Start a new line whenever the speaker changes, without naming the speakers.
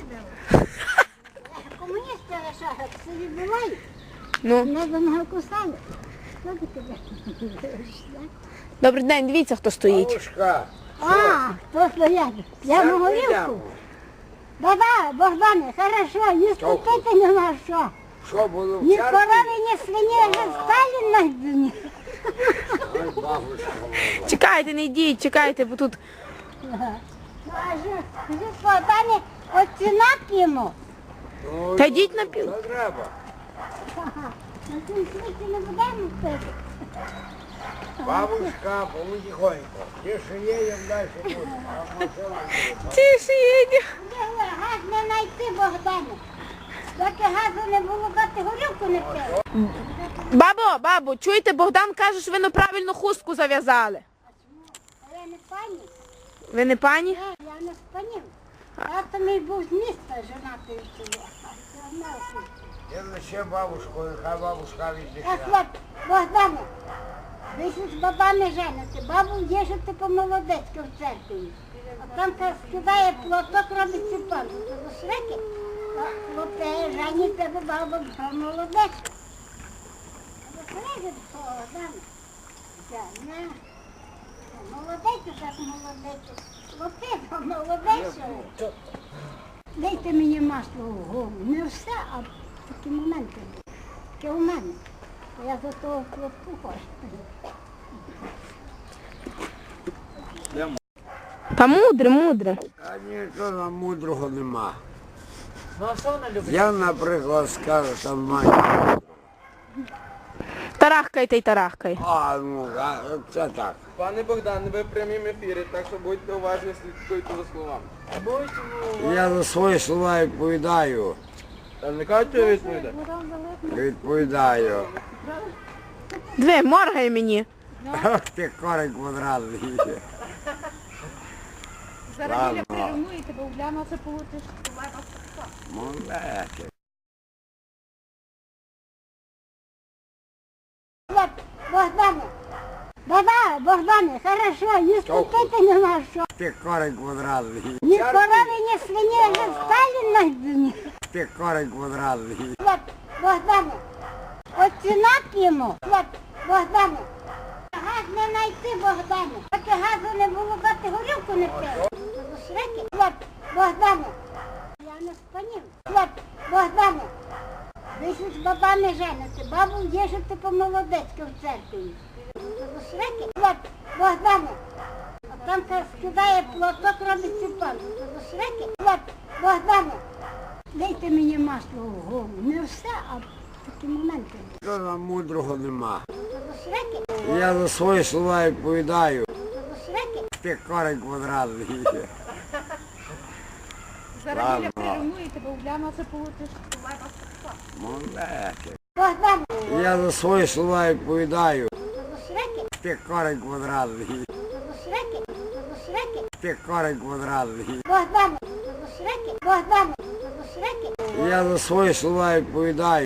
Комуністи лишають, собі бувають.
Ну.
Не до нього кусали. Що ти тебе?
Добрий день, дивіться, хто стоїть.
Бабушка,
А, хто стоять? Я на горілку. Да-да, Богдане, хорошо, не скупити нема що.
що було в
Ні
церкві?
корови, ні свині, вже Сталін найдені.
Ой, бабушка моя.
Чекайте, не йдіть, чекайте, бо тут...
А ж Богдане, оціна п'ємо.
Ну,
Та йдіть на пів.
що треба?
На цьому світі не будемо пити.
Бабушка, потихоньку. Ті, що є, їм далі буде. А машина буде.
Тише їдь.
Газ не знайти, Богдане. Доки газу не було, ти горілку не пили.
Бабо, чуєте, Богдан каже, що ви неправильно хустку зав'язали.
А я не пані.
Ви не пані?
Ні, я не з панів. Я то мій був з міста женатий село.
Я лише бабушку, нехай бабушка віддихає.
Так от, Богдане, ви ж з бабами жените. Бабу їжете по-молодецьки в церкві. А там скидає платок, робить ціпан. Це до шреки. А хлопці жените, бо баба по-молодецьку. А до шреки, Богдане. Не. Молодець, так молодець. Хлопці по-молодецьку. Дайте мені масло в голову. Не все, а такі моменти. Таке у мене. Я за того хлопку хочу.
Та мудре.
А нічого мудрого нема.
Ну а що вона любить?
Я, наприклад, скажу, там мать.
Тарахкайте й тарахкай.
А, ну, це так.
Пане Богдан, ви в прямім ефірі, так що будьте уважні, слідкуйте за словами.
Я за свої слова відповідаю.
Та не кажете відповідати?
Відповідаю.
Дві, моргай мені.
Ах ти корень квадратний.
Зараз біля прирівнуєте, бо Уляна це получиш.
Молодець.
От, Богдане, да-да, Богдане, хорошо, не скупити нема що.
Ти корень квадратний.
Ні корови, ні свині, вже Сталін найдені.
Ти корень квадратний.
От, Богдане, оціна п'ємо. От, Богдане, газ не знайти, Богдане. Доки газу не було, ти горілку не пили. Це до шреки. От, Богдане, я не з панів. От, Богдане, ви ж з бабами жените. Бабу їжете по-молодецьки в церкві. Це до шреки. От, Богдане, а там скидає платок, робить ціпан. Це до шреки. От, Богдане, дайте мені масло в голову. Не все, а такі моменти.
Нічого мудрого нема.
Це до шреки.
Я за свої слова відповідаю.
Це до шреки.
Ти корень квадратний.
Зараз біля прирівнуєте, бо Уляна це получиш.
Молодець.
Богдане,
Я за свої слова відповідаю.
це до шреки.
Ти корень квадратний.
Це до шреки. Це до шреки.
Ти корень квадратний.
Богдане, це до шреки. Богдане, це до шреки.
Я за свої слова відповідаю.